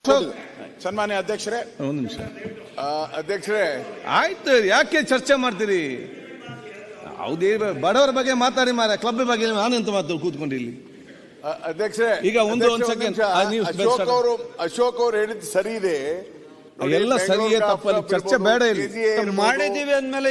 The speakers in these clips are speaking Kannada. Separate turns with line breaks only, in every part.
ಸನ್ಮಾನ್ಯ ಅಧ್ಯಕ್ಷರೇ,
ಒಂದು ನಿಮಿಷ
ಅಧ್ಯಕ್ಷರೇ,
ಆಯ್ತು, ಯಾಕೆ ಚರ್ಚೆ ಮಾಡ್ತೀರಿ? ಹೌದೇ, ಬಡವರ ಬಗ್ಗೆ ಮಾತಾಡಿ ಮಾರ, ಕ್ಲಬ್ ಬಗ್ಗೆ ನಾನೆಂತ ಮಾತು ಕೂತ್ಕೊಂಡು ಇಲ್ಲಿ.
ಅಧ್ಯಕ್ಷರೇ,
ಈಗ ಒಂದು ಸೆಕೆಂಡ್,
ಅಶೋಕ್ ಅವರು ಹೇಳಿದ್ದು ಸರಿ ಇದೆ,
ಎಲ್ಲ ಸರಿಯೇ ತಪ್ಪಲ್ಲಿ ಚರ್ಚೆ ಬೇಡ ಇಲ್ಲಿ.
ಮಾಡಿದೀವಿ ಅಂದ್ಮೇಲೆ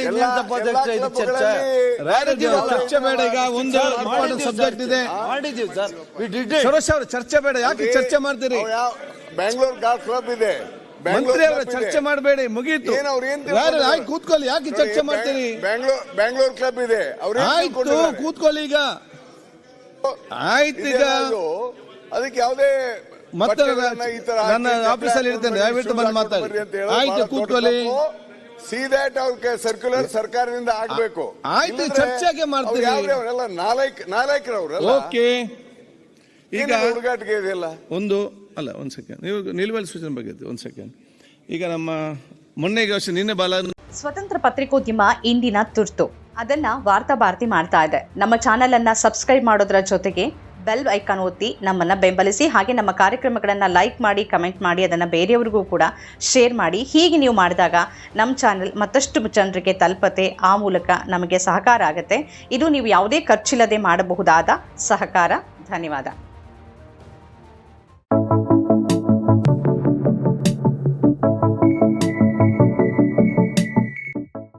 ಚರ್ಚೆ ಬೇಡ. ಈಗ ಒಂದು ಇಂಪಾರ್ಟೆಂಟ್ ಸಬ್ಜೆಕ್ಟ್ ಇದೆ,
ಮಾಡಿದೀವಿ ಸರ್.
ಸುರೇಶ್ ಅವರು ಚರ್ಚೆ ಬೇಡ. ಯಾಕೆ ಚರ್ಚೆ ಮಾಡ್ತೀರಿ?
ಬ್ಯಾಂಗ್ಳೂರ್ ಗಾಲ್ಫ್ ಕ್ಲಬ್ ಇದೆ,
ಮಂತ್ರಿ ಅವರ ಚರ್ಚೆ ಮಾಡಬೇಡಿ, ಮುಗೀತು. ಆಯ್ತು, ಕೂತ್ಕೊಳ್ಳಿ. ಯಾಕೆ ಚರ್ಚೆ ಮಾಡ್ತೀರಿ?
ಬ್ಯಾಂಗ್ಳೂರ್ ಕ್ಲಬ್ ಇದೆ,
ಆಯ್ತು, ಕೂತ್ಕೊಳ್ಳಿ. ಈಗ ಆಯ್ತು, ಈಗ
ಅದಕ್ಕೆ ಯಾವುದೇ
ಮತ್ತೆ ನನ್ನ ಆಫೀಸಲ್ಲಿ ಇರ್ತೇನೆ, ದಯವಿಟ್ಟು ಬಂದು ಮಾತಾಡಿ. ಆಯ್ತು, ಕೂತ್ಕೊಳ್ಳಿ.
ಸರ್ಕ್ಯುಲರ್ ಸರ್ಕಾರದಿಂದ ಆಗ್ಬೇಕು.
ಆಯ್ತು, ಚರ್ಚೆಗೆ ಮಾಡ್ತೀವಿ.
ನಾಲ್ಕರವ್ರು
ಓಕೆ. ಈಗ
ಹುಡುಗಾಟಿಗೆ ಇದೆಯಲ್ಲ.
ಒಂದ್ ಸೆಕೆಂಡ್, ನೀವು ನಿಲುವಳಿ ಸೂಚನೆ ಬಗ್ಗೆ ಒಂದ್ ಸೆಕೆಂಡ್. ಈಗ ನಮ್ಮ ಮೊನ್ನೆಗೆ ನಿನ್ನೆ
ಸ್ವತಂತ್ರ ಪತ್ರಿಕೋದ್ಯಮ ಇಂದಿನ ತುರ್ತು, ಅದನ್ನ ವಾರ್ತಾ ಭಾರತಿ ಮಾಡ್ತಾ ಇದೆ. ನಮ್ಮ ಚಾನೆಲ್ ಅನ್ನ ಸಬ್ಸ್ಕ್ರೈಬ್ ಮಾಡೋದ್ರ ಜೊತೆಗೆ ಬೆಲ್ ಐಕಾನ್ ಒತ್ತಿ ನಮ್ಮನ್ನ ಬೆಂಬಲಿಸಿ. ಹಾಗೆ ನಮ್ಮ ಕಾರ್ಯಕ್ರಮಗಳನ್ನ ಲೈಕ್ ಮಾಡಿ, ಕಮೆಂಟ್ ಮಾಡಿ, ಅದನ್ನ ಬೇರೆಯವರಿಗೂ ಕೂಡ ಶೇರ್ ಮಾಡಿ. ಹೀಗೆ ನೀವು ಮಾಡಿದಾಗ ನಮ್ಮ ಚಾನೆಲ್ ಮತ್ತಷ್ಟು ಜನರಿಗೆ ತಲುಪತ್ತೆ, ಆ ಮೂಲಕ ನಮಗೆ ಸಹಕಾರ ಆಗುತ್ತೆ. ಇದು ನೀವು ಯಾವುದೇ ಖರ್ಚಿಲ್ಲದೆ ಮಾಡಬಹುದಾದ ಸಹಕಾರ. ಧನ್ಯವಾದ.